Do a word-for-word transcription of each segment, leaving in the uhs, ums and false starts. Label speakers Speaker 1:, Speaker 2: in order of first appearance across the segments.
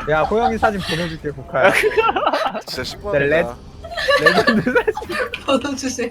Speaker 1: 야 호영이 사진 보내줄게 국화야.
Speaker 2: 진짜 신고
Speaker 1: 네,
Speaker 2: 한다.
Speaker 1: 레전드 사진.
Speaker 3: 보여주세요.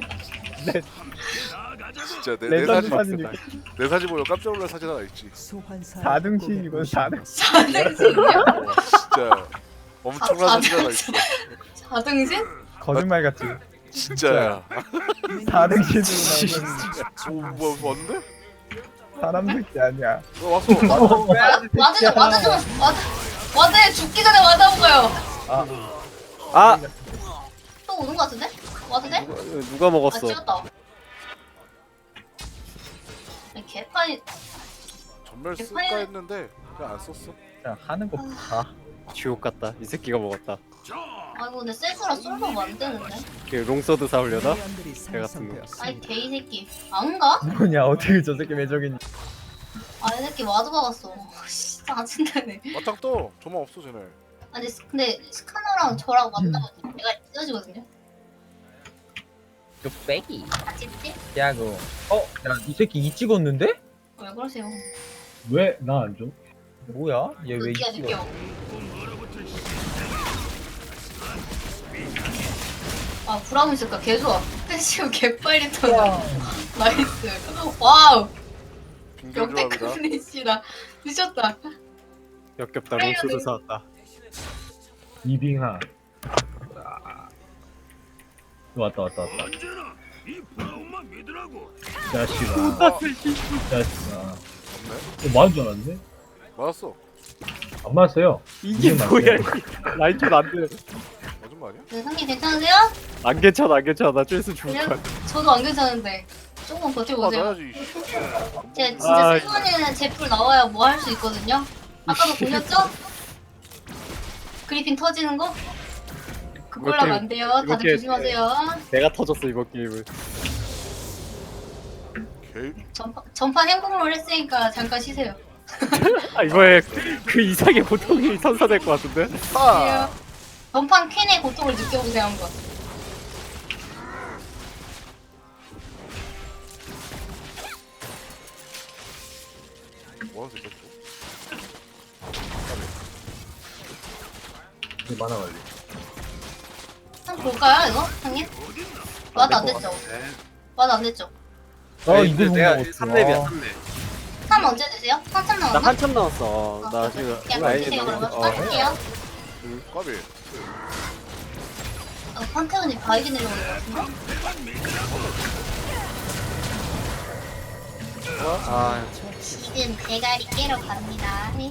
Speaker 2: 진짜 내, 내
Speaker 1: 레전드
Speaker 2: 사진
Speaker 1: 사진 이렇게.
Speaker 2: 내 사진 보면 깜짝 놀랄 사진 하나 있지.
Speaker 1: 사 등신이건 사 등.
Speaker 3: 사등신이요?
Speaker 2: 어, 진짜 엄청난
Speaker 3: 아,
Speaker 2: 사진 하나 있어.
Speaker 3: 사등신?
Speaker 1: 거짓말 같지.
Speaker 2: 진짜야.
Speaker 1: 사 등신으로 나오는
Speaker 2: 오, 뭐 뭔데?
Speaker 1: 사람 새끼 아니야.
Speaker 2: 어, 왔어. 아,
Speaker 1: 빼야지
Speaker 3: 와드
Speaker 1: 새끼야.
Speaker 3: 좀 와드 좀 와드 와드 죽기 전에 와드 한번 가요.
Speaker 1: 아,
Speaker 4: 아!
Speaker 3: 또 오는 거 같은데? 와드 돼?
Speaker 4: 누가, 누가
Speaker 3: 아
Speaker 4: 먹었어?
Speaker 3: 찍었다. 아니, 개판이
Speaker 2: 전멸 쓸까 했는데 그냥 안 썼어.
Speaker 1: 그냥 하는 거 봐.
Speaker 4: 지옥 같다. 이 새끼가 먹었다.
Speaker 3: 아이고 근데 센스라 쏠로 안 되는데.
Speaker 4: 그 롱서드 사오려나? 개 같은 거.
Speaker 3: 아이 개이 새끼 안 가?
Speaker 1: 뭐냐 어떻게 저 새끼 매적이니?
Speaker 3: 아이 새끼 와드 박았어. 씨 짜증나네.
Speaker 2: 맞짱 떠. 저만 없어 쟤네.
Speaker 3: 아니 스- 근데 스카너랑 저랑 만나면 내가 찢어지거든요.
Speaker 1: 뚝배기.
Speaker 3: 아 찝찝?
Speaker 1: 야구. 어? 야 이 새끼 이 찍었는데?
Speaker 3: 왜 그러세요?
Speaker 5: 왜 나 안 줘?
Speaker 1: 뭐야? 얘 왜 이
Speaker 3: 느끼야
Speaker 1: 찍어?
Speaker 3: 느껴. 아 브라운 있을까? 개 좋아. 패시브 개 빨리 터져. 나이스. 와우.
Speaker 2: 빙결
Speaker 3: 역대급
Speaker 2: 조합이다.
Speaker 3: 플래시다. 미쳤다.
Speaker 4: 역겹다. 롱서드 사왔다.
Speaker 5: 이빙하. 왔다 왔다 왔다. 자식아. 자식아. 어, 맞은 줄 알았는데?
Speaker 2: 맞았어.
Speaker 5: 안 맞았어요.
Speaker 4: 이게
Speaker 5: 이게
Speaker 4: 뭐야?
Speaker 5: 맞아요.
Speaker 4: 라인전 안 돼.
Speaker 2: 맞은 거 아니야?
Speaker 3: 네, 상님 괜찮으세요?
Speaker 4: 안 괜찮아, 안 괜찮아. 나 쬐서 죽을
Speaker 3: 그래요?
Speaker 4: 거야.
Speaker 3: 저도 안 괜찮은데 조금 버텨보세요.
Speaker 2: 맞아야지.
Speaker 3: 제가 진짜
Speaker 4: 아,
Speaker 3: 세번에는 제풀 나와야 뭐 할 수 있거든요. 아까도 보셨죠? 그리핀 터지는 거? 그걸로 하면 안 돼요. 다들
Speaker 4: 이렇게-
Speaker 3: 조심하세요.
Speaker 4: 내가 터졌어, 이번 게임을.
Speaker 2: 개.
Speaker 3: 전파, 전판 행복을 했으니까 잠깐 쉬세요.
Speaker 4: 아, 이거에 그 이상의 고통이 선사될 것 같은데?
Speaker 2: 아.
Speaker 3: 전판 퀸의 고통을 느껴보세요 한번.
Speaker 2: 뭐하는 새끼야 또?
Speaker 5: 이게 만화 관리.
Speaker 3: 한번 볼까요 이거? 상님? 와도 안 됐죠? 와도 안 됐죠?
Speaker 1: 어 이거
Speaker 4: 내가
Speaker 1: 뭔가
Speaker 4: 삼 렙이야, 삼 렙.
Speaker 3: 삼 언제 되세요? 한참
Speaker 4: 나
Speaker 3: 남았나?
Speaker 4: 한참 남았어.
Speaker 3: 아,
Speaker 4: 나
Speaker 3: 그래.
Speaker 4: 지금
Speaker 3: 그냥
Speaker 4: 라인이
Speaker 3: 던지세요
Speaker 4: 너무-
Speaker 3: 그러면.
Speaker 4: 어.
Speaker 3: 빠질게요.
Speaker 2: 까비.
Speaker 3: 어, 판테온이 바이게 내려오는 것 같은데?
Speaker 4: 아,
Speaker 3: 이젠 대가리 깨러 갑니다. 네.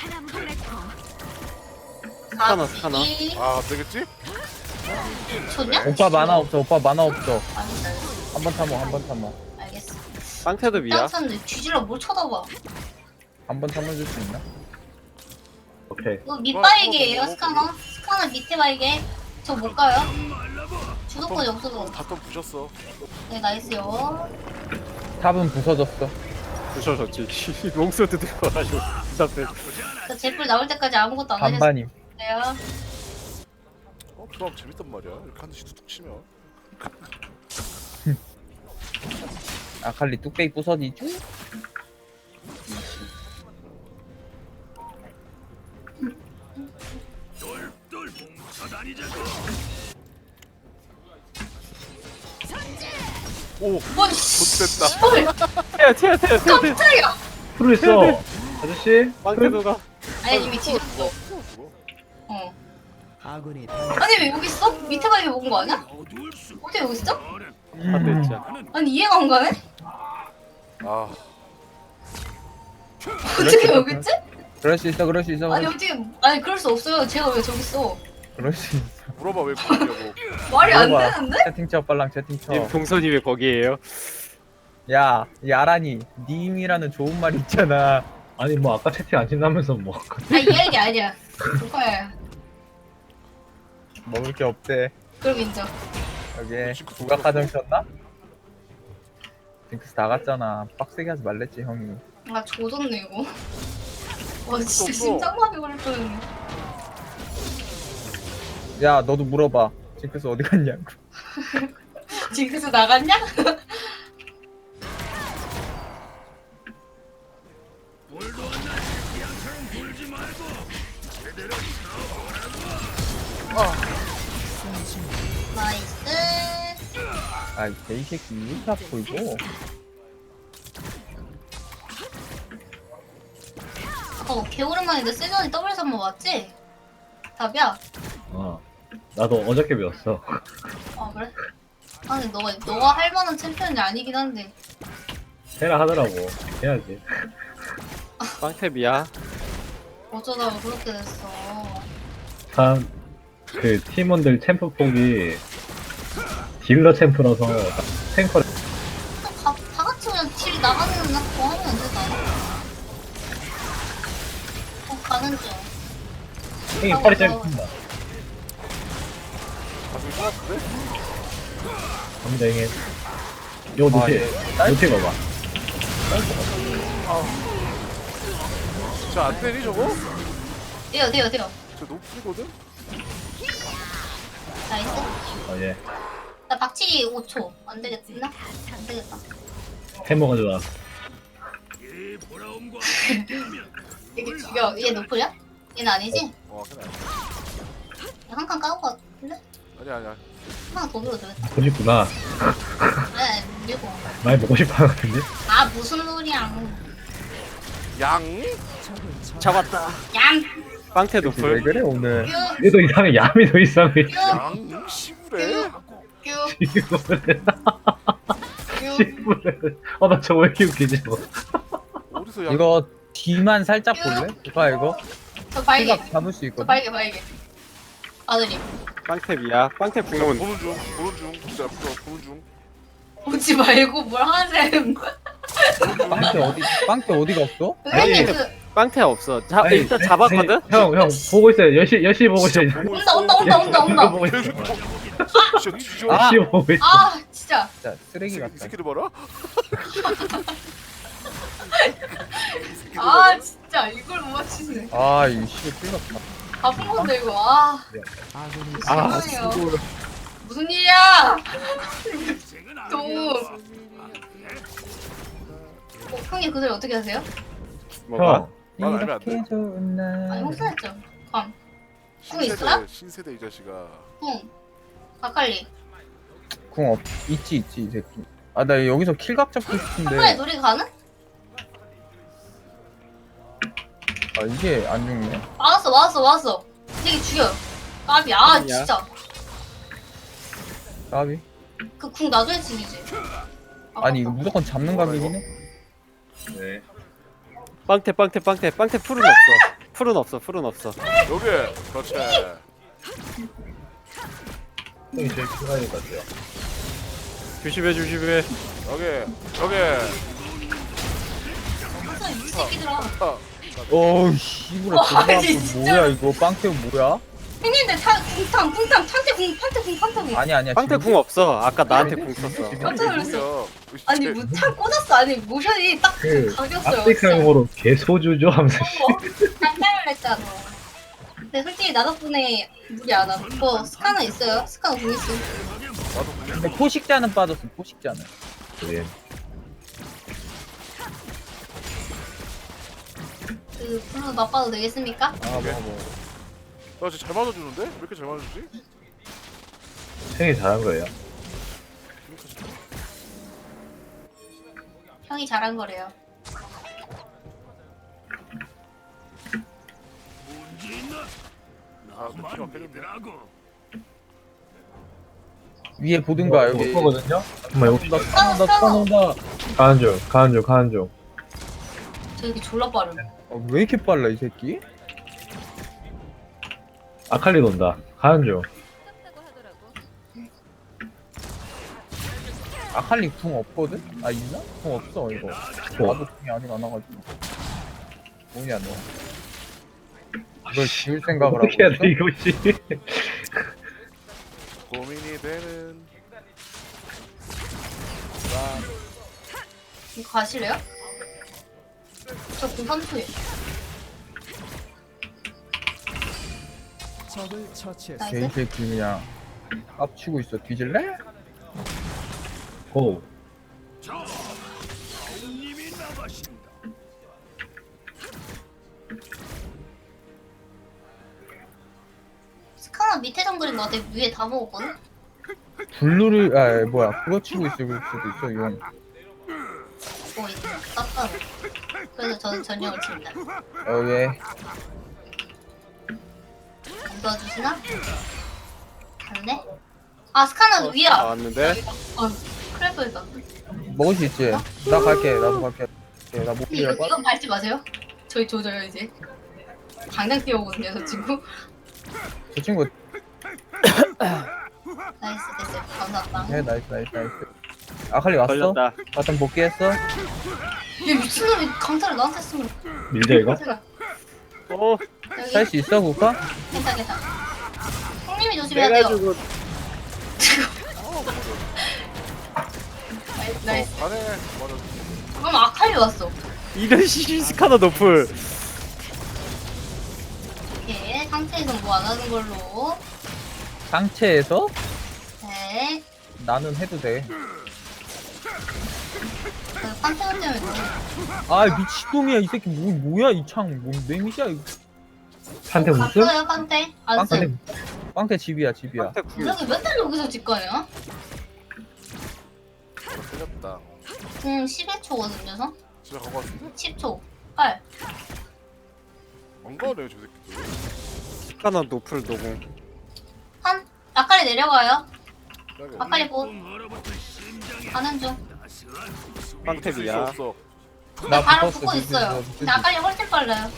Speaker 4: 스카너, 스카너.
Speaker 2: 아, 안 되겠지?
Speaker 3: 좋냐?
Speaker 1: 오빠 만화 없어. 오빠 만화 없어.
Speaker 3: 알겠어.
Speaker 1: 한 번 참어. 한 번 참어.
Speaker 3: 알겠어.
Speaker 4: 빵태도 미야.
Speaker 3: 땅쳤는데 뒤질러 뭘 쳐다봐.
Speaker 1: 한 번 참아줄 수 있나?
Speaker 5: 오케이.
Speaker 3: 이거 밑바이게예요 스카너. 스카너 밑에 바이게. 저 못 가요. 주도권이 없어서.
Speaker 2: 바텀 부셨어.
Speaker 3: 네 나이스요.
Speaker 1: 탑은 부서졌어.
Speaker 4: 부셔졌지. 롱서드 들고 와가지고. 답답해.
Speaker 3: 저 제풀 나올 때까지 아무것도 안 하셨어요.
Speaker 1: 반반임.
Speaker 2: 어, 그럼 재밌단 말이야. 이렇게 한 대씩 툭툭 치면.
Speaker 1: 아칼리 뚝배기 부서지죠?
Speaker 2: 오,
Speaker 3: 뭐
Speaker 2: 좋됐다.
Speaker 3: 씨발
Speaker 4: 태야, 태야, 태야, 태야.
Speaker 3: 깜짝이야.
Speaker 5: 프로 있어. 아저씨.
Speaker 4: 빵태도가.
Speaker 3: 아니 이미 뒤졌어.
Speaker 2: 죽어.
Speaker 3: 어. 아니 왜 여기 있어? 밑에 바이게 먹은 거 아니야? 어떻게 여기 있어?
Speaker 4: 한대 있자.
Speaker 3: 아니 이해가 안 가네?
Speaker 2: 아,
Speaker 3: 어떻게 여기 있지?
Speaker 1: 그럴 수 있어. 그럴 수 있어.
Speaker 3: 아니 어떻게 아니 그럴 수 없어요. 제가 왜 저기 있어?
Speaker 1: 그럴 수 있어.
Speaker 2: 물어봐 왜 그러냐고.
Speaker 3: 말이 안
Speaker 1: 물어봐.
Speaker 3: 되는데?
Speaker 1: 채팅 쳐 빨랑 채팅 쳐.
Speaker 4: 님 동선이 왜 거기에요?
Speaker 1: 야, 야란이 님이라는 좋은 말 있잖아.
Speaker 5: 아니 뭐 아까 채팅 안 친다면서 뭐.
Speaker 3: 아 이야기 아니야. 조카야.
Speaker 1: 먹을 게 없대.
Speaker 3: 그럼 인정.
Speaker 1: 여기에
Speaker 2: 징크스
Speaker 1: 부각하정 쳤나? 징크스 다 갔잖아. 빡세게 하지 말랬지 형이.
Speaker 3: 아 조졌네 이거. 와 진짜
Speaker 2: 없어.
Speaker 3: 심장마비 걸릴 뻔했네.
Speaker 1: 야 너도 물어봐. 징크스 어디 갔냐고.
Speaker 3: 징크스 나갔냐? 나이스.
Speaker 1: 아이 개새끼 왜 이렇게 아파 이거.
Speaker 3: 어, 개오랜만인데 세전이 더블 삼 번 맞지? 답이야.
Speaker 5: 어. 나도 어저께 배웠어.
Speaker 3: 아 그래? 아니 너가 너가 할 만한 챔피언이 아니긴 한데.
Speaker 5: 해라 하더라고. 해야지.
Speaker 4: 빵탭이야.
Speaker 3: 어쩌다가 그렇게 됐어.
Speaker 5: 참, 그 팀원들 챔프 폭이 딜러 챔프라서 탱커를
Speaker 3: 다, 다 같이 그냥 딜 나가는 거 하면 되지 않아? 어 가는 중.
Speaker 5: 형이 팔이 짧습니다.
Speaker 2: 가슴이 쏘았는데?
Speaker 5: 갑니다 형님. 요 노티,
Speaker 1: 예.
Speaker 5: 노티 봐봐.
Speaker 2: 진짜 안 때리 저거?
Speaker 3: 돼요 돼요 돼요.
Speaker 2: 저 높이거든?
Speaker 3: 나이스.
Speaker 5: 어, 예.
Speaker 3: 나 박치기 오 초. 안 되겠나? 안 되겠다.
Speaker 5: 해머가 좋아.
Speaker 3: 이게 죽여. 얘 노플이야? 얘는 아니지?
Speaker 2: 어 그래
Speaker 3: 한 칸 까온 거 같은데?
Speaker 2: 아니 아니야
Speaker 3: 하나 더 밀어도 되겠다.
Speaker 5: 보고 싶구나.
Speaker 3: 네, 밀고.
Speaker 5: 많이 보고 싶어 하는데?
Speaker 3: 아 무슨 소리야.
Speaker 2: 양?
Speaker 4: 잡았다.
Speaker 3: 얌!
Speaker 4: 빵탭
Speaker 1: 왜
Speaker 4: 노플.
Speaker 1: 그래 오늘.
Speaker 3: 뀨!
Speaker 5: 얘도 이상해. 야미 더 이상해.
Speaker 3: 뀨!
Speaker 2: 양? 시부래?
Speaker 3: 뀨!
Speaker 5: 시부레.
Speaker 3: 뀨!
Speaker 5: 시부레. 어, 나 저거 왜 이렇게 웃기지, 저거.
Speaker 2: 어디서 양?
Speaker 1: 이거 뒤만 살짝 볼래? 이거 이거.
Speaker 3: 저 발개.
Speaker 1: 생각 잡을 수
Speaker 3: 저
Speaker 1: 있거든.
Speaker 3: 발개 발개. 아들이.
Speaker 4: 빵탭이야. 빵탭 궁은
Speaker 2: 보는 중 보는 중 진짜 저 보는 중
Speaker 3: 오지 말고 뭘 하세요.
Speaker 1: 빵대 어디 빵대 어디가 없어?
Speaker 3: 선생님 그
Speaker 4: 빵탭 없어. 자
Speaker 5: 아니,
Speaker 4: 일단 잡았거든.
Speaker 5: 아니, 형, 형, 보고 있어요. 열시, 열시 보고 있어요.
Speaker 2: 보고
Speaker 3: 온다
Speaker 2: 있어.
Speaker 3: 온다 온다 온다
Speaker 5: 이거
Speaker 3: 온다.
Speaker 5: 보고 있어.
Speaker 2: 계속 진짜 뒤져
Speaker 1: 아!
Speaker 5: 열시 보고 있어.
Speaker 3: 아 진짜.
Speaker 1: 진짜
Speaker 2: 이
Speaker 1: 쓰레기
Speaker 2: 새끼- 이
Speaker 1: 같다.
Speaker 2: 새끼를 봐라 이 새끼를
Speaker 3: 아
Speaker 2: 봐라
Speaker 3: 진짜 이걸 못 맞추네.
Speaker 1: 아 이거 씨발 틀렸다.
Speaker 3: 바쁜 건데 이거. 아.
Speaker 4: 아,
Speaker 3: 심하네요. 무슨 일이야? 또. 어, 형님 그 소리 어떻게 하세요?
Speaker 4: 뭐가?
Speaker 2: 말 알면 안
Speaker 1: 이렇게
Speaker 2: 돼?
Speaker 1: 좋은 날.
Speaker 3: 아니 혹사했죠. 감. 형 있어요?
Speaker 2: 신세대 신세대 이 자식아
Speaker 3: 응. 아칼리.
Speaker 1: 궁 없. 있지 있지 이 새끼. 아 나 여기서 킬각 잡고
Speaker 3: 아칼리
Speaker 1: 싶은데.
Speaker 3: 놀이 가는?
Speaker 1: 아 이게 안 죽네.
Speaker 3: 맞았어 맞았어 맞았어. 되게 죽여. 까비. 아
Speaker 4: 아니야.
Speaker 3: 진짜.
Speaker 1: 까비.
Speaker 3: 그 궁 나중에 치기지.
Speaker 1: 아니 이거 무조건 잡는 각이긴 해.
Speaker 5: 네.
Speaker 4: 빵탭 빵탭 빵탭 빵탭 풀은 없어. 풀은 없어. 풀은 없어.
Speaker 2: 여기 그렇지
Speaker 5: 형이 제일 필요할 것 같아요.
Speaker 4: 조심해 조심해.
Speaker 2: 여기 여기
Speaker 3: 항상 이 새끼들아.
Speaker 2: 아,
Speaker 1: 어우 씨부라 존나
Speaker 3: 아니,
Speaker 1: 아프.
Speaker 3: 진짜.
Speaker 1: 뭐야 이거 빵태우 뭐야?
Speaker 3: 형님들 타 궁탕 궁탕 판테 궁 판테 궁 판테 궁.
Speaker 1: 아니 아니야.
Speaker 4: 빵탭
Speaker 1: 지금
Speaker 4: 궁 없어. 아까 나한테 궁 썼어.
Speaker 3: 깜짝 놀랐어.
Speaker 2: 뭐야
Speaker 3: 아니 뭐탕 꽂았어. 아니 모션이 딱
Speaker 5: 그,
Speaker 3: 가겼어요.
Speaker 5: 아프리카용어로 개소주죠 하면서.
Speaker 3: 깜짝 놀랐잖아. 근데 솔직히 나 덕분에 무리 안 하고. 뭐 스카너 있어요? 스카너 궁 있어.
Speaker 1: 근데 포식자는 빠졌어. 포식자는.
Speaker 5: 네.
Speaker 3: 그 블루 맛봐도 되겠습니까?
Speaker 1: 아 뭐 뭐.
Speaker 2: 나 진짜 잘 맞아주는데? 왜 이렇게 잘 맞아주지?
Speaker 5: 형이 잘한 거예요.
Speaker 2: 그러니까 진짜.
Speaker 3: 형이 잘한 거래요.
Speaker 2: 아 느낌 막히는데
Speaker 1: 위에 보든가 여기.
Speaker 5: 거거든요. 정말 이거
Speaker 1: 나 스카노다 스카노다.
Speaker 5: 가는 중, 가는 중, 가는 중.
Speaker 3: 저 새끼 졸라 빠름.
Speaker 1: 어, 왜 이렇게 빨라 이 새끼?
Speaker 5: 아칼리 논다. 가는 중.
Speaker 1: 아칼리 궁 없거든? 아 있나? 궁 없어 이거.
Speaker 5: 어.
Speaker 1: 나도 궁이 아직 안 와가지고. 뭐냐 너. 이걸 지울 생각을 하고
Speaker 5: 어떻게 해야
Speaker 1: 있어?
Speaker 5: 돼 이것이?
Speaker 2: 고민이 되는
Speaker 3: 이거 가실래요? 저 공삼 초에.
Speaker 6: 적을 처치했습니다.
Speaker 1: 개이
Speaker 3: 나이스.
Speaker 1: 새끼 그냥 깝치고 있어. 뒤질래?
Speaker 5: 고.
Speaker 3: 스카나 밑에 정글인 것 같아. 위에 다 먹었거든?
Speaker 1: 블루를 아 뭐야 그거 치고 있을 수도 있어 용.
Speaker 3: 오, 이거 땄다. 그래서 저는 전령을 칩니다.
Speaker 1: 여기
Speaker 3: 안 도와주시나? 갔네? 아, 스카나 위야!
Speaker 4: 나왔는데
Speaker 3: 어, 큰일 뻔했다.
Speaker 1: 먹을 수 있지. 나 갈게. 나도 갈게. 나 못
Speaker 3: 이거,
Speaker 1: 빌려.
Speaker 3: 이건 밟지 마세요. 저희 조져요, 이제. 당장 뛰어오거든요, 저 친구.
Speaker 1: 저 친구
Speaker 3: 나이스, 됐어요. 감사합니다.
Speaker 1: 해 나이스 나이스 나이스. 아칼리 왔어?
Speaker 4: 걸렸다.
Speaker 1: 바텀 복귀했어?
Speaker 3: 얘 미친놈이 강타를 나한테 쓰면.
Speaker 5: 밀자 이거?
Speaker 3: 제가
Speaker 4: 어
Speaker 3: 여기
Speaker 1: 살 수 있어 국가?
Speaker 3: 괜찮아, 괜찮아. 형님이 조심해야
Speaker 4: 내가
Speaker 3: 돼요.
Speaker 4: 주고
Speaker 3: 나이스, 나이스.
Speaker 2: 어, 안해. 맞아.
Speaker 3: 그럼 아칼리 왔어.
Speaker 4: 이런 시 스카너 노플.
Speaker 3: 오케이, 상태에서 뭐 안 하는 걸로.
Speaker 1: 상체에서?
Speaker 3: 네.
Speaker 1: 나는 해도 돼.
Speaker 3: 그 판테온 때문에 너무
Speaker 1: 아 미친놈이야 이 새끼 뭐 뭐야 이 창 뭐 내미시야 이거.
Speaker 5: 판테 무슨?
Speaker 3: 갔어요, 판테? 안
Speaker 1: 빵태
Speaker 3: 써요.
Speaker 1: 빵태 집이야 집이야.
Speaker 4: 한테 구.
Speaker 3: 여기 맨날 여기서 집 가냐?
Speaker 2: 나 틀렸다.
Speaker 3: 응, 십일 초거든요, 서?
Speaker 2: 진짜 간거 같은데?
Speaker 3: 십 초. 빨.
Speaker 2: 안 가네 저 새끼들.
Speaker 4: 스카너 노플 노공.
Speaker 3: 한. 아칼리 내려가요.
Speaker 2: 여기
Speaker 3: 아칼리 보. 가는 중.
Speaker 4: 빵탭이야.
Speaker 2: 없어.
Speaker 1: 나
Speaker 3: 바로
Speaker 1: 붙었어,
Speaker 3: 붙고
Speaker 1: 붙을 수
Speaker 3: 있어요.
Speaker 1: 있어, 붙을 수
Speaker 3: 근데 아칼리 훨씬 빨라요.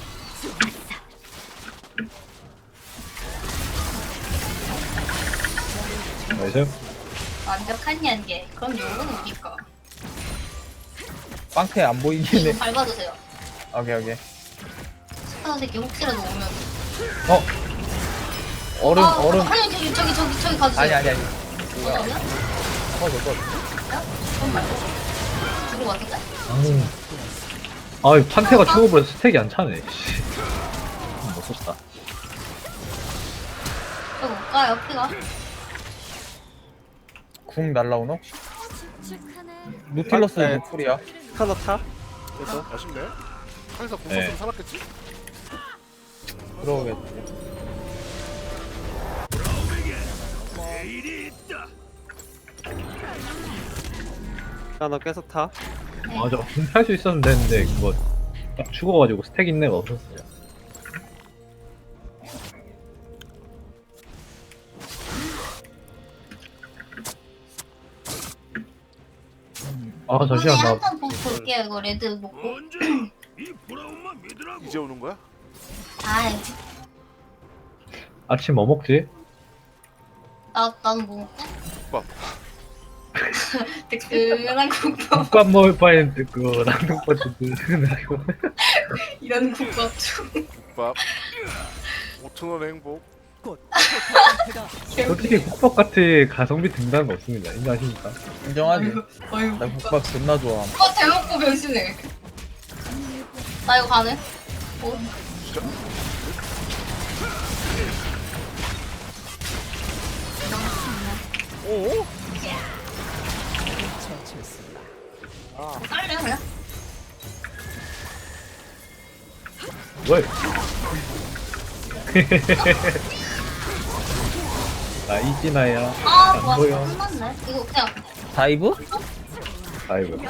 Speaker 5: 나이스.
Speaker 3: 완벽한 연계. 그럼 요건 우리까.
Speaker 1: 빵태 안 보이긴 해.
Speaker 3: 밟아주세요.
Speaker 1: 오케이 오케이.
Speaker 3: 스카우 새끼 혹시라도 오면.
Speaker 1: 어 얼음
Speaker 3: 아,
Speaker 1: 얼음.
Speaker 3: 아니, 저기, 저기, 저기, 저기 가주세요.
Speaker 1: 아니 아니 아니.
Speaker 3: 어디
Speaker 1: 뭐야?
Speaker 3: 오면?
Speaker 1: 꺼져 꺼져.
Speaker 3: 그럼 말고. 죽은 것 같은데?
Speaker 5: 아, 아 판테가 죽어버려 스택이 안 차네. 씨. 못 썼다.
Speaker 3: 저 못 가요, 피가.
Speaker 1: 궁 날라오나? 노틸러스
Speaker 4: 네.
Speaker 1: 노플이야.
Speaker 4: 스카너 타. 그래서
Speaker 2: 아쉽네. 카이사 공
Speaker 5: 네.
Speaker 2: 썼으면 살았겠지?
Speaker 1: 들어오겠지.
Speaker 4: 스카너 계속 타.
Speaker 5: 맞아. 공탈 수 있었으면 됐는데 그거 딱 죽어가지고 스택 있는 애가 없었어요. 아 잠시만 나
Speaker 3: 한턴 보고 볼게요, 이거 레드 먹고.
Speaker 2: 이제 오는 거야?
Speaker 3: 아이,
Speaker 5: 아침 뭐 먹지?
Speaker 3: 나, 나는 뭐 먹게?
Speaker 2: 국밥.
Speaker 3: 뜨끈한 국밥.
Speaker 5: 국밥 먹을 바엔 그거 라면밥 드시고
Speaker 3: 이런 국밥 좀.
Speaker 2: 국밥. 오천 원의 행복.
Speaker 5: 솔직히 국밥 같은 가성비 등단은 없습니다. 인정하십니까?
Speaker 1: 인정하지.
Speaker 3: 어휴.
Speaker 1: 나 국밥 존나 좋아.
Speaker 3: 어, 대놓고 변신해. 나 이거 가네? 어?
Speaker 2: 진짜? 오?
Speaker 3: 딸래, 그냥?
Speaker 5: 뭘? 나 이지나야.
Speaker 3: 아,
Speaker 5: 안
Speaker 3: 와,
Speaker 5: 보여.
Speaker 3: 끝났네. 이거 그냥.
Speaker 1: 다이브?
Speaker 5: 아이고.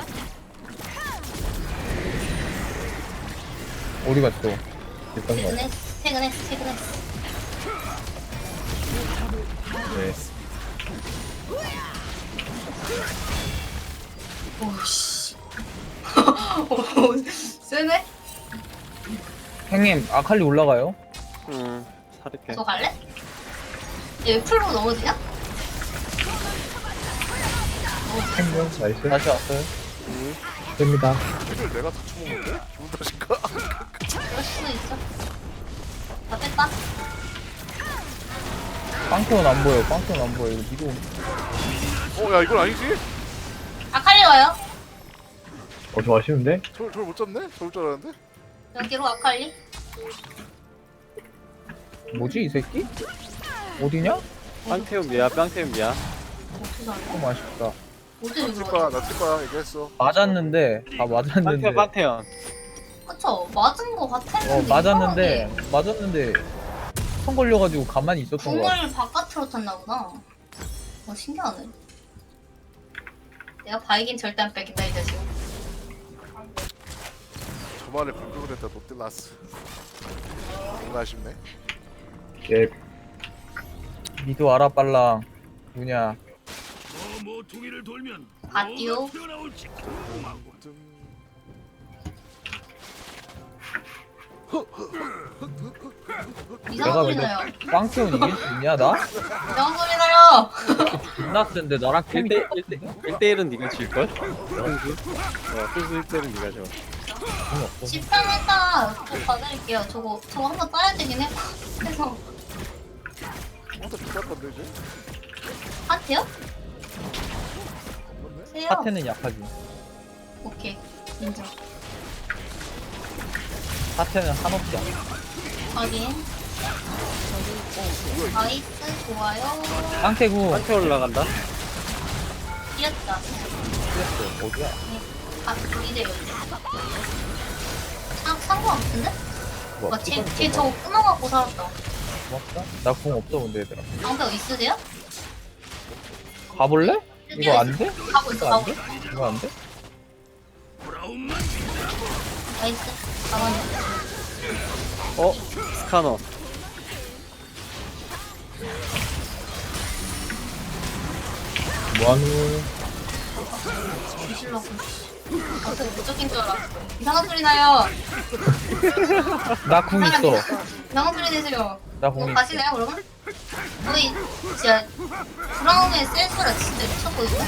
Speaker 1: 어디 갔어?
Speaker 5: 됐던 거 같아.
Speaker 3: 퇴근했어, 퇴근했어, 퇴근했어.
Speaker 5: 네.
Speaker 3: 오씨. 오, 세네?
Speaker 1: 형님 아칼리 올라가요?
Speaker 4: 응. 살릴게.
Speaker 3: 저 갈래? 얘 풀로 넘어지냐?
Speaker 5: 생명 나이스.
Speaker 1: 다시 왔어요?
Speaker 4: 응.
Speaker 5: 됩니다.
Speaker 2: 이걸 내가 다 처먹는데? 기분 탓인가?
Speaker 3: 그럴 수도 있어. 다 뺐다.
Speaker 1: 빵태원 안 보여. 빵태원 안 보여. 이거 미도.
Speaker 2: 어, 야, 이건 아니지?
Speaker 3: 아칼리 와요.
Speaker 5: 어, 저 아쉬운데?
Speaker 2: 저걸, 저걸 못 잡네? 저럴 줄 알았는데?
Speaker 3: 여기로 아칼리.
Speaker 1: 뭐지 이 새끼? 어디냐?
Speaker 4: 빵태움 미야. 빵태움 미야.
Speaker 3: 어떻게 알아?
Speaker 1: 좀 아쉽다.
Speaker 3: 어떻게
Speaker 2: 나쓸
Speaker 3: 그러지?
Speaker 2: 거야, 나쓸 거야, 얘기했어.
Speaker 1: 맞았는데 다 맞았는데.
Speaker 4: 빵태움 빵태움.
Speaker 3: 그쵸? 맞은 거 같았는데.
Speaker 1: 어 맞았는데 맞았는데 패턴 걸려가지고 가만히 있었던 거 같아.
Speaker 3: 궁을 바깥으로 탔나 보다. 어, 신기하네. 내가 바이긴 절대 안 뺏긴다, 이 자식.
Speaker 2: 저만의 공격을 했다 롯데라스. 뭔가 아쉽네.
Speaker 5: 예.
Speaker 1: 미도 알아 빨랑. 누냐.
Speaker 3: 바띠오.
Speaker 2: 좀
Speaker 3: 이상한
Speaker 1: 내가
Speaker 3: 소리
Speaker 1: 근데
Speaker 3: 나요.
Speaker 1: 빵태운 이길 수 있냐 나?
Speaker 3: 이상한 소리 나요.
Speaker 1: 존나 센데 나랑 캠이
Speaker 4: 일 대 일 대 일은 네가 질걸? 선수? 어, 선수 일 대 일은 네가 져.
Speaker 1: 없어.
Speaker 3: 십 편 했다. 저 봐드릴게요. 저거, 저거 한번 따야 되긴 해. 그래서,
Speaker 2: 어떻게 비쌌던데 이제?
Speaker 3: 하트요?
Speaker 2: 그렇네.
Speaker 3: 세요.
Speaker 1: 하트는 약하지.
Speaker 3: 오케이. 인정.
Speaker 1: 하트는 한없지 않아.
Speaker 3: 확인. 나이스, 좋아요.
Speaker 1: 빵태구
Speaker 4: 한테 올라간다.
Speaker 3: 이겼다.
Speaker 1: 뛰었어. 어디야?
Speaker 3: 아, 이제 여기. 상, 상관없는데?
Speaker 1: 뭐,
Speaker 3: 와, 쟤, 쟤 저거 끊어갖고 살았다.
Speaker 1: 고맙다. 나 궁 없어 근데 얘들아.
Speaker 3: 방패 있으세요?
Speaker 1: 가볼래? 이거 안 돼?
Speaker 3: 가고 있어,
Speaker 1: 이거 안
Speaker 3: 가고
Speaker 1: 돼?
Speaker 3: 있어.
Speaker 1: 이거 안 돼?
Speaker 3: 나이스. 가만히.
Speaker 4: 어? 스카너.
Speaker 5: 뭐하노?
Speaker 3: 뒤질라고. 아, 저 무적인 줄 알았어. 이상한 소리 나요.
Speaker 1: 나 궁 있어.
Speaker 3: 이상한 소리 내세요.
Speaker 1: 나 궁
Speaker 3: 이거
Speaker 1: 있어.
Speaker 3: 가시나요, 그러면? 거의, 진짜, 브라운의 센스라 진짜 미쳤거든요?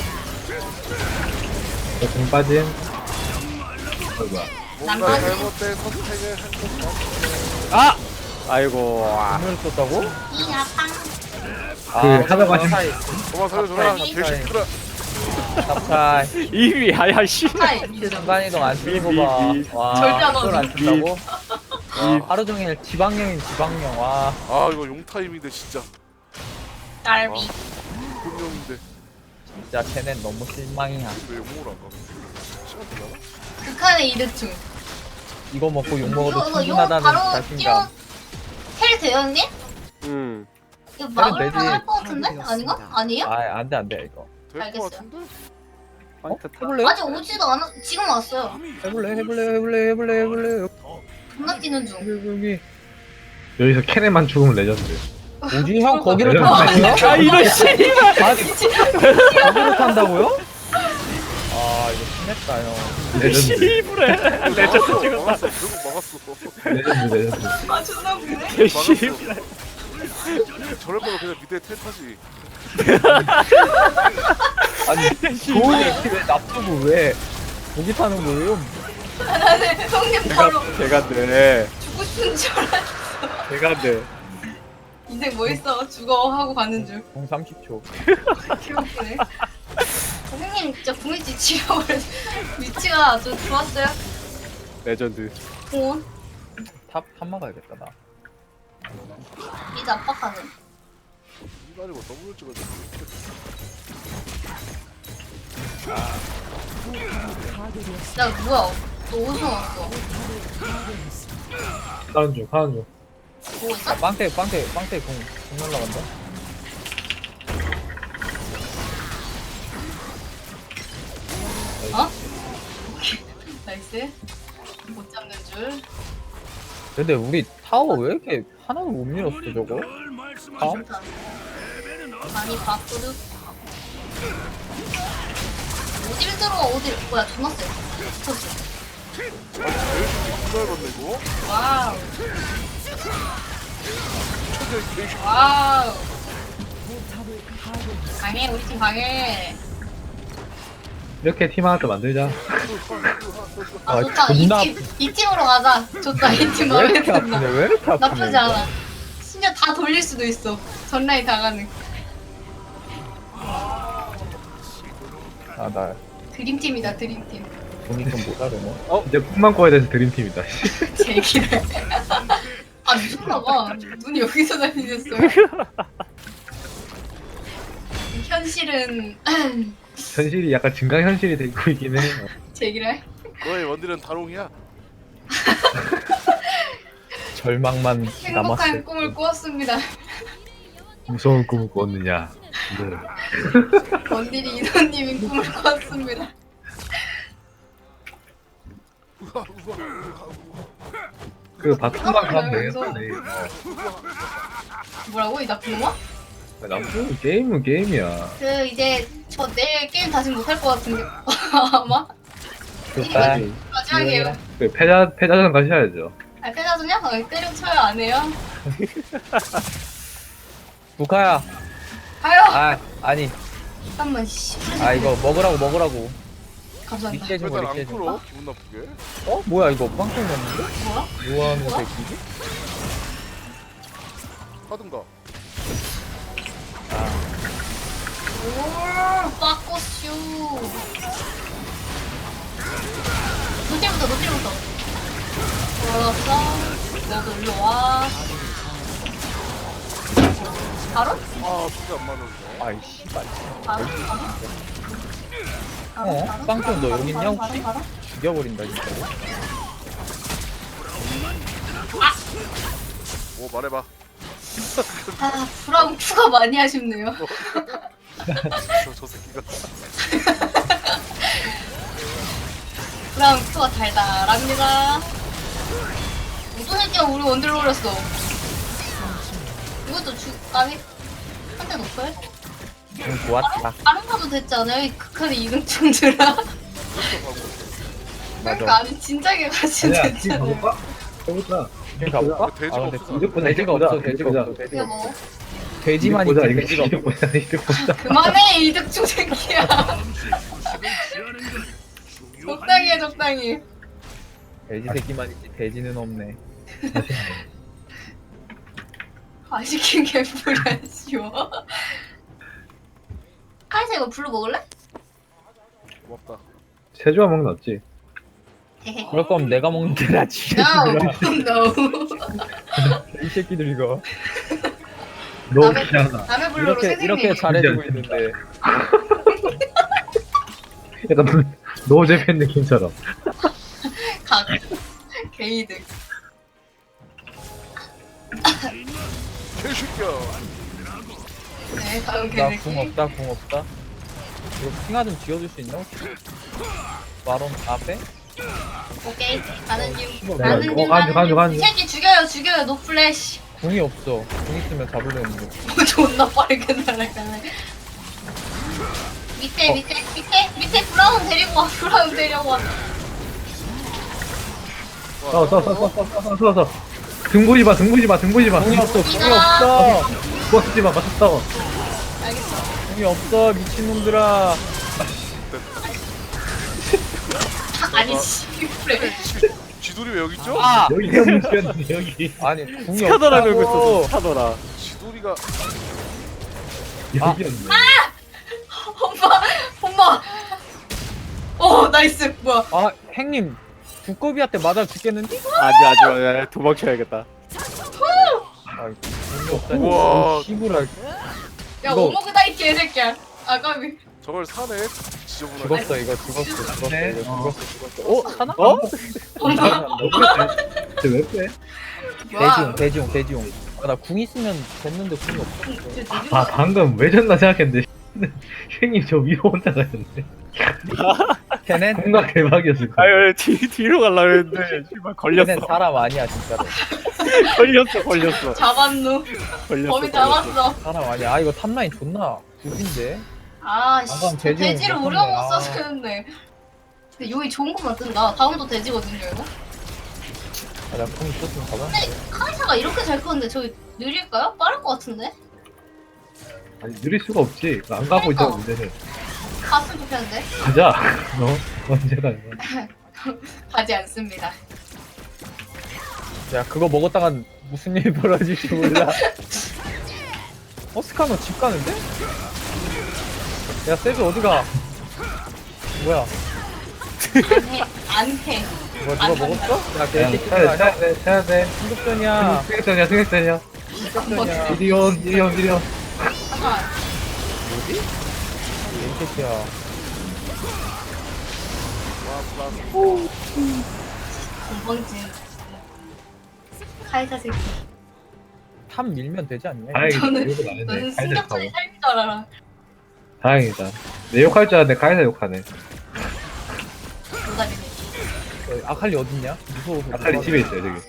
Speaker 5: 저공 빠짐. 어이구야.
Speaker 2: 뭔가
Speaker 3: 남자는-
Speaker 2: 잘못된 선택을 한 것 같아.
Speaker 4: 아! 아이고. 아.
Speaker 1: 궁을 썼다고?
Speaker 3: 이야, 빵.
Speaker 5: 그 하다가 좀-
Speaker 1: 사이.
Speaker 2: 그만 살려줘라.
Speaker 3: 아니.
Speaker 2: 개새끼들아.
Speaker 1: 탑타이.
Speaker 4: 이미 아야 씨.
Speaker 3: 하이.
Speaker 1: 순간이동 안 쓰는 거
Speaker 4: 미,
Speaker 1: 봐.
Speaker 4: 미, 미.
Speaker 1: 와,
Speaker 3: 절대 안
Speaker 1: 그걸 안
Speaker 3: 하지.
Speaker 1: 쓴다고? 와, 하루 종일 지방령인 지방령. 와,
Speaker 2: 아 이거 용타임인데 진짜.
Speaker 3: 깔비.
Speaker 2: 분명인데
Speaker 1: 진짜 쟤넨 너무 실망이야.
Speaker 2: 왜 용으로 안 가? 시간 되나?
Speaker 3: 극한의 이득충.
Speaker 1: 이거 먹고 욕
Speaker 3: 이거,
Speaker 1: 먹어도
Speaker 3: 이거, 이거
Speaker 1: 충분하다는
Speaker 3: 바로 뛰어,
Speaker 1: 자신감.
Speaker 3: 텔 돼요, 형님?
Speaker 4: 음.
Speaker 3: 이거
Speaker 1: 되지.
Speaker 3: 막을만 할 것 같은데? 아닌가? 아니에요?
Speaker 1: 아, 안 돼, 안 돼, 이거.
Speaker 2: 될
Speaker 3: 알겠어요.
Speaker 2: 것 같은데?
Speaker 1: 어?
Speaker 4: 황태 타.
Speaker 1: 해볼래요?
Speaker 3: 아직 오지도 않아. 지금 왔어요.
Speaker 1: 해볼래, 해볼래, 해볼래, 해볼래, 해볼래.
Speaker 3: 존나 뛰는 중.
Speaker 1: 여기, 여기.
Speaker 5: 여기서 캔에만 죽으면 레전드.
Speaker 1: 뭐지? 형 거기를
Speaker 5: 어,
Speaker 1: 탄다고요?
Speaker 4: 아 이런 씨발.
Speaker 1: 아니, 거기를 탄다고요? 아, 이거 심했다, 형.
Speaker 5: 레전드.
Speaker 4: 씨부래. 레전드 찍었다.
Speaker 2: 막았어. 결국 막았어.
Speaker 5: 레전드 레전드.
Speaker 3: 아, 존나 웃기네.
Speaker 4: 개씨부래.
Speaker 2: 저럴 거면 그냥 밑에 텔 타지.
Speaker 1: 아니, 좋은 얘기 왜 납두고 왜 거기 타는 거예요?
Speaker 3: 나는 형님 바로
Speaker 4: 제가 돼.
Speaker 3: 죽고 싶은 줄 알았어.
Speaker 4: 제가 돼.
Speaker 3: 인생 뭐 있어? 죽어 하고 가는 줄.
Speaker 1: 공 삼십 초.
Speaker 3: 개웃기네. 선생님 진짜 궁일지 치료를 위치가 좀 좋았어요.
Speaker 4: 레전드.
Speaker 3: 공원
Speaker 1: 탑, 탑 막아야겠다, 나.
Speaker 3: 이제 압박하는.
Speaker 2: 이거 아니고 더블 찍어줘.
Speaker 3: 야 뭐야? 너 어디서 왔어?
Speaker 5: 하는 중 하는 중.
Speaker 3: 뭐 있어?
Speaker 1: 빵태, 빵태, 빵태 공, 공 날라간다.
Speaker 3: 어? 나이스. 못 잡는 줄.
Speaker 1: 근데 우리 타워 왜 이렇게 하나도 못 밀었어, 저거? 다음?
Speaker 3: 많이 바꾸르. 어딜 들어와 어딜? 뭐야 존나 세. 미쳤어.
Speaker 2: 이걸 봤네 이거.
Speaker 3: 와우.
Speaker 2: 초대 개새끼.
Speaker 3: 와우. 강해 우리 팀 강해.
Speaker 5: 이렇게 팀 하나 더 만들자.
Speaker 3: 아,
Speaker 1: 아,
Speaker 3: 좋다.
Speaker 1: 존나
Speaker 3: 이, 팀, 이 팀으로 가자. 좋다. 이 팀
Speaker 1: 왜
Speaker 3: 마음에
Speaker 1: 이렇게 아프냐,
Speaker 3: 든다.
Speaker 1: 왜 이렇게 아프냐.
Speaker 3: 나쁘지 않아. 심지어 다 돌릴 수도 있어. 전라인 다 가능.
Speaker 1: 아, 나
Speaker 3: 드림팀이다 드림팀.
Speaker 1: 돈이 좀 모자르네.
Speaker 5: 이제 꿈만 꿔야 돼서 드림팀이다.
Speaker 3: 제기를. 아 미쳤나봐. 눈이 여기서 다니셨어요. 현실은
Speaker 5: 현실이 약간 증강현실이 되고 있긴 해.
Speaker 3: 제기를.
Speaker 2: 너의 원딜은 다롱이야.
Speaker 1: 절망만
Speaker 3: 행복한
Speaker 1: 남았을
Speaker 3: 꿈을 꾸었습니다.
Speaker 5: 무서운 꿈을 꿨느냐. 네.
Speaker 3: 원딜이 이도님이 꿈을 꾸었습니다.
Speaker 5: 그 바텀만 가면
Speaker 3: 아,
Speaker 5: 되겠어.
Speaker 3: 뭐라고 이 나쁜 놈아?
Speaker 5: 남편 게임은 게임이야.
Speaker 3: 그 이제 저 내일 게임 다시 못할 것 같은데 아마
Speaker 1: 좋다.
Speaker 3: 마지막이에요.
Speaker 5: 그 패자 패자전 가셔야죠.
Speaker 3: 아 패자소냐? 아, 때려쳐요 안 해요?
Speaker 1: 부카야.
Speaker 3: 아유
Speaker 1: 아 아니.
Speaker 3: 잠깐만 씨.
Speaker 1: 아 이거 먹으라고 먹으라고.
Speaker 3: 감사합니다.
Speaker 1: 리깨 좀
Speaker 2: 왜날 안
Speaker 1: 리깨 좀.
Speaker 2: 끌어? 기분 나쁘게.
Speaker 1: 어 뭐야 이거 빵점 넣는데?
Speaker 3: 뭐야?
Speaker 1: 뭐하는
Speaker 3: 뭐야?
Speaker 1: 새끼지?
Speaker 2: 하든가.
Speaker 3: 오 빠꼬슈. 노틸부터 노틸부터. 올라왔어. 너도 일로 와. 바로?
Speaker 2: 아 진짜 안 맞았네.
Speaker 1: 아이 씨발.
Speaker 3: 바로? 바로?
Speaker 1: 어?
Speaker 3: 바로?
Speaker 1: 빵점 너
Speaker 3: 바로?
Speaker 1: 여기 있냐
Speaker 3: 바로?
Speaker 1: 혹시?
Speaker 3: 바로?
Speaker 1: 죽여버린다 진짜로.
Speaker 2: 오 말해봐.
Speaker 3: 아 브라운 큐가 많이 아쉽네요.
Speaker 2: 저, 저 새끼가.
Speaker 3: 브라운 큐가 달달합니다. 어떤 새끼가 우리 원딜 노렸어. 이것도 주 아니 한대 높아요?
Speaker 1: 응 좋았다.
Speaker 3: 다른 가도 됐잖아요. 이 극한의 이등충들아. 그러니까 아니 진작에 가시면
Speaker 5: 아니야, 지금
Speaker 3: 됐잖아요.
Speaker 5: 가볼까? 해보자.
Speaker 1: 지금 가볼까?
Speaker 2: 돼지가
Speaker 1: 아 근데
Speaker 2: 없어서.
Speaker 5: 이득 보자,
Speaker 1: 돼지가
Speaker 5: 이득
Speaker 1: 없어
Speaker 5: 보자,
Speaker 1: 돼지가
Speaker 5: 이득
Speaker 1: 없어
Speaker 5: 보자.
Speaker 1: 돼지가
Speaker 3: 이거
Speaker 1: 없어.
Speaker 3: 뭐?
Speaker 1: 돼지만
Speaker 5: 이득 보자,
Speaker 1: 있지
Speaker 5: 이거
Speaker 1: 돼지가
Speaker 5: 이득
Speaker 1: 없어.
Speaker 5: 보자, 이득 보자.
Speaker 3: 그만해 이득충 새끼야. 적당히 해 적당히.
Speaker 1: 돼지 새끼만 있지 돼지는 없네.
Speaker 3: 아 시킨 게 불안 쉬워. 카이사 이거 블루 먹을래?
Speaker 2: 고맙다.
Speaker 5: 세조화 먹는 거 낫지?
Speaker 3: 헤헤.
Speaker 1: 그럴 거면 내가 먹는 게 낫지.
Speaker 3: No, no.
Speaker 1: 이 새끼들 이거
Speaker 5: 너
Speaker 3: 남의-
Speaker 5: 그냥
Speaker 3: 남의 블루로
Speaker 1: 이렇게
Speaker 3: 세상이.
Speaker 1: 이렇게 잘해주고 있는데
Speaker 5: 약간 노제팬 느낌처럼.
Speaker 3: 각 게이득.
Speaker 2: 개새끼야.
Speaker 3: 네 다음
Speaker 1: 나 궁
Speaker 3: 게이득.
Speaker 1: 없다 궁 없다. 이거 핑하 좀 지워줄 수 있나 혹시? 마론 앞에?
Speaker 3: 오케이 가는 중.
Speaker 1: 뭐,
Speaker 3: 가는
Speaker 5: 어,
Speaker 3: 중
Speaker 5: 가는 중, 가는
Speaker 3: 가는
Speaker 5: 중, 가는
Speaker 3: 중. 이
Speaker 5: 중.
Speaker 3: 새끼 죽여요 죽여요 노 플래시.
Speaker 1: 궁이 없어. 궁 있으면 잡으려는데.
Speaker 3: 뭐 존나 빠르게 날아가네. 밑에
Speaker 1: 어.
Speaker 3: 밑에 밑에 밑에 브라운 데리고 와 브라운 데려와.
Speaker 5: 싸워, 싸워, 싸워, 싸워, 싸워, 싸워, 싸워. 등 보지 마, 등 보지 마, 등 보지 마.
Speaker 1: 궁이 없어 궁이
Speaker 3: 이가-
Speaker 1: 없어.
Speaker 5: 버티지 마, 맞서 싸워.
Speaker 3: 알겠어.
Speaker 1: 궁이 없어 미친놈들아.
Speaker 3: 아니 씨 그래.
Speaker 2: 쥐돌이 왜 여기 있죠?
Speaker 1: 아!
Speaker 5: 여기가 문제였는데, 여기.
Speaker 1: 아니 궁이
Speaker 4: 스카더라 걸고 있었어
Speaker 1: 없다고.
Speaker 4: 스카더라.
Speaker 2: 쥐돌이가
Speaker 5: 여기였네.
Speaker 3: 엄마 엄마. 어 나이스 뭐야.
Speaker 1: 아 행님 두꺼비한테 맞아 죽겠는데?
Speaker 4: 아직 아직 아직 도망쳐야겠다.
Speaker 1: 아 궁이 없다니.
Speaker 2: 우와.
Speaker 1: 씨부랄.
Speaker 3: 야
Speaker 1: 이거-
Speaker 3: 오모그다 이 개새끼야. 아까비.
Speaker 2: 저걸 사네. 지저분하게.
Speaker 1: 죽었어 이거 죽었어 죽었어
Speaker 5: 네.
Speaker 1: 이거 죽었어 죽었어. 어 하나?
Speaker 4: 어?
Speaker 3: 엄마.
Speaker 5: 쟤왜 빼?
Speaker 1: 대지용 대지용 대지용. 아, 나 궁 있으면 됐는데 궁이 없어.
Speaker 5: 아, 방금 왜 졌나 생각했는데. 형님 저 위로 혼자 가셨네.
Speaker 1: 걔넨
Speaker 5: 뭔가 대박이었을 거야.
Speaker 4: 아유 뒤 뒤로 갈라 했는데 씨발 걸렸어.
Speaker 1: 걔넨 사람 아니야 진짜로.
Speaker 4: 걸렸어 걸렸어
Speaker 3: 잡았누.
Speaker 4: 걸렸어.
Speaker 3: 범이
Speaker 4: 걸렸어.
Speaker 3: 잡았어.
Speaker 1: 사람 아니야. 아 이거 탑라인 존나 구빈데.
Speaker 3: 아, 씨.
Speaker 1: 방금 돼지
Speaker 3: 돼지를
Speaker 1: 못
Speaker 3: 우려
Speaker 1: 봤네.
Speaker 3: 못
Speaker 1: 아.
Speaker 3: 썼는데. 근데 요이 좋은 것만 뜬다. 다음도 돼지거든요, 이거.
Speaker 1: 아나궁 있었으면 잡았는데.
Speaker 3: 근데 카이사가 이렇게 잘 크는데 저기 느릴까요? 빠를 것 같은데?
Speaker 5: 아니, 느릴 수가 없지. 안 가고 있잖아, 문제는.
Speaker 3: 갔으면 좋겠는데?
Speaker 5: 가자. 너 언제가 이거.
Speaker 3: 가지 않습니다.
Speaker 1: 야 그거 먹었다가 무슨 일이 벌어질지 몰라. 어 스카너 집 가는데? 야 세주 어디가? 뭐야?
Speaker 3: 안 해. 안 해.
Speaker 1: 뭐야 누가
Speaker 3: 안
Speaker 1: 먹었어? 야
Speaker 5: 야,
Speaker 1: 개새끼
Speaker 5: 쳐야 돼,
Speaker 1: 아니야?
Speaker 5: 쳐야 돼, 쳐야 돼.
Speaker 1: 승급전이야.
Speaker 5: 승격전이야, 승격전이야.
Speaker 1: 승급전이야.
Speaker 5: 이리 온, 이리 온, 이리 온.
Speaker 3: 잠깐만.
Speaker 1: 뭐지? 개새끼야.
Speaker 3: 건방진. 카이사 새끼.
Speaker 1: 탑 밀면 되지 않냐?
Speaker 5: 다행이다.
Speaker 3: 저는-
Speaker 5: 욕은 안 했네.
Speaker 3: 너는
Speaker 5: 카이사 욕하고.
Speaker 3: 승격전이 삶인 줄 알아.
Speaker 5: 다행이다. 내 욕할 줄 알았는데 카이사 욕하네.
Speaker 3: 노답이네.
Speaker 1: 어, 아칼리 어딨냐? 무서워서.
Speaker 5: 아칼리 집에 있어요 저기.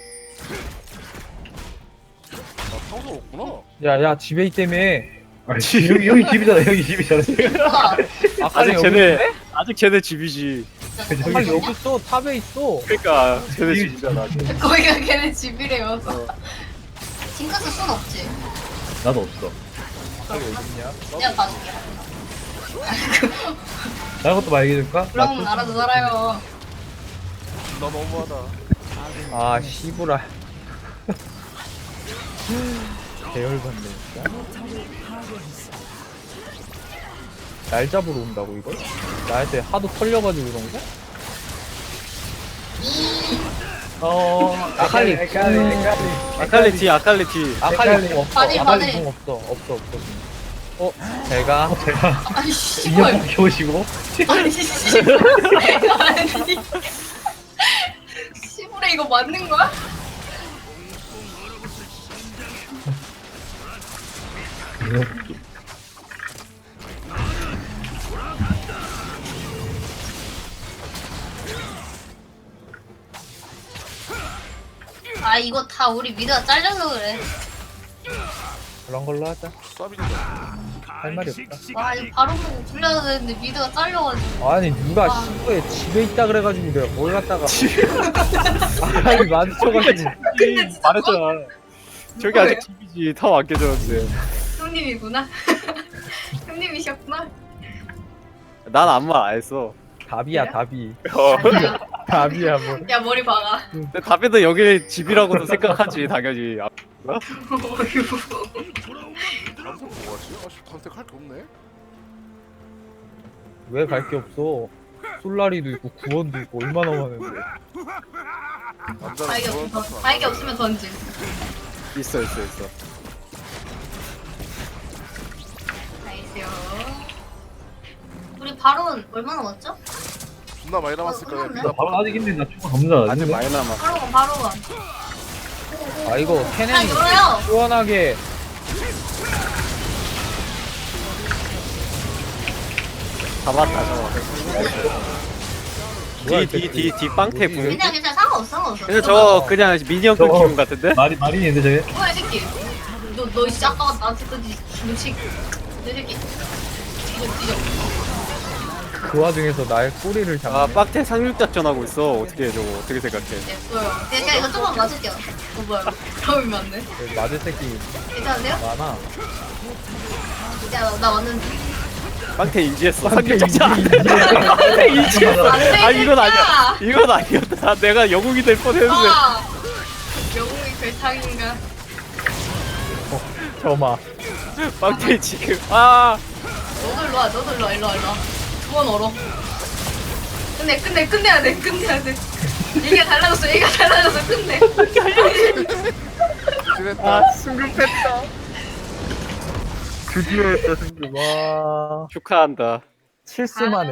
Speaker 2: 아 평소 없구나.
Speaker 1: 야야 집에 있다며.
Speaker 5: 아, 여기 여기 집이잖아. 여기 집이잖아.
Speaker 3: 아,
Speaker 1: 아칼리
Speaker 4: 아직
Speaker 1: 여기
Speaker 4: 쟤네
Speaker 1: 있는데?
Speaker 4: 아직 쟤네 집이지.
Speaker 3: 진짜
Speaker 1: 아칼리 여기 있어. 탑에 있어.
Speaker 4: 그러니까 쟤네
Speaker 5: 집이-
Speaker 4: 집이잖아.
Speaker 3: 거기가 걔네 집이래요.
Speaker 4: 어.
Speaker 3: 징크스 순 없지?
Speaker 5: 나도 없어.
Speaker 1: 아칼리 어딨냐?
Speaker 3: 내가 봐줄게.
Speaker 5: 다른 것도 말 얘기해줄까?
Speaker 3: 그럼 알아서 살아요.
Speaker 2: 나 너무하다.
Speaker 1: 아 씨부라. 계열받네 진짜. 날 잡으러 온다고 이거? 나한테 하도 털려가지고 그런 거? 어 아칼리
Speaker 5: 아칼리, 아칼리.
Speaker 4: 아칼리 뒤 아칼리 뒤.
Speaker 1: 아칼리 공 없어.
Speaker 3: 바지,
Speaker 1: 아칼리
Speaker 3: 바지.
Speaker 1: 공 없어. 없어 없어. 어 제가
Speaker 5: 제가
Speaker 3: 아니 씨발.
Speaker 5: 인형 겨우시고
Speaker 3: 아니 씨발. 아니 씨발에 이거 맞는 거야? 아 이거 다 우리 미드가 잘려서 그래.
Speaker 1: 그런 걸로 하자.
Speaker 2: 쌉이다.
Speaker 1: 할 말이 없다.
Speaker 3: 와 이거 바로 보고 굴려야 되는데 미드가 잘려가지고.
Speaker 1: 아니 누가
Speaker 3: 아.
Speaker 1: 시부에 집에 있다 그래가지고 내가 뭘 갖다가 아칼리 마주쳐가지고
Speaker 3: 근데 진짜
Speaker 4: 말했잖아. 저기 아직 집이지. 탑 안 깨졌는데.
Speaker 3: 형님이구나. 형님이셨구나.
Speaker 4: 난 아무 말 안 했어.
Speaker 1: 답이야 답이.
Speaker 4: 어.
Speaker 3: 아니야.
Speaker 1: 답이야 뭐.
Speaker 3: 야 머리 박아.
Speaker 4: 근데 답에도 여기 집이라고도 생각하지 당연히. 아,
Speaker 3: 어휴.
Speaker 2: 단테 뭐하지? 아씨 단테 할게 없네.
Speaker 1: 왜 갈 게 없어? 솔라리도 있고 구원도 있고 얼마나 많은데.
Speaker 2: 남자는
Speaker 3: 바이게
Speaker 2: 그런
Speaker 3: 없으면
Speaker 2: 뜻은
Speaker 3: 던- 바이게 없으면 던짐.
Speaker 4: 있어 있어 있어.
Speaker 3: 나이스요. 우리 바론 얼마 남았죠?
Speaker 2: 존나 많이 남았을 거야.
Speaker 3: 어,
Speaker 2: 미나
Speaker 5: 나 바로 아직 있는데 나 충분 없나?
Speaker 4: 아직 많이 남아.
Speaker 3: 바론 바론.
Speaker 1: 아 이거
Speaker 3: 아
Speaker 1: 캐넨이
Speaker 3: 열어요.
Speaker 1: 시원하게
Speaker 4: 잡았다 저거.
Speaker 1: 뭐야,
Speaker 4: 뒤 뒤
Speaker 1: 이
Speaker 4: 뒤 뒤 빵태
Speaker 1: 뭐지,
Speaker 4: 궁.
Speaker 3: 그냥 괜찮아 상관없어 상관없어.
Speaker 4: 근데 저거 그냥 미니언급
Speaker 5: 저거-
Speaker 4: 기분 같은데?
Speaker 5: 말이 말이인데 저게.
Speaker 3: 뭐야 이 새끼. 너너 진짜 아까 나한테 던지 무식. 내 새끼. 뒤져 뒤져.
Speaker 1: 그 와중에서 나의 꼬리를 잡네.
Speaker 4: 아 빡태 상륙작전 하고 있어. 어떻게 해 저거? 어떻게 생각해?
Speaker 3: 됐어요. 제가 이거 조금만 맞을게요. 어 뭐야. 그러면 맞네.
Speaker 1: 그 맞을 새끼
Speaker 3: 괜찮으세요?
Speaker 1: 많아.
Speaker 3: 야, 나, 나 완전
Speaker 4: 빡태 인지했어.
Speaker 1: 빡태
Speaker 4: 상륙작전.
Speaker 1: 인지, 인지.
Speaker 4: 빡태 인지했어.
Speaker 3: 안돼
Speaker 4: 아 이건 아니야. 이건 아니었다. 내가 영웅이 될 뻔했는데.
Speaker 3: 아, 영웅이 별창인가?
Speaker 1: 점아.
Speaker 4: 빡태 지금. 아.
Speaker 3: 너도 일로 와, 너도 일로 와, 일로 와, 일로 와. 두 번 얼어. 끝내, 끝내, 끝내야 돼, 끝내야 돼. 얘가 달라졌어, 얘가 달라졌어, 끝내.
Speaker 2: 진했다.
Speaker 1: 아 승급했다. 드디어 했다 승급. 와
Speaker 4: 축하한다.
Speaker 1: 실수만 해.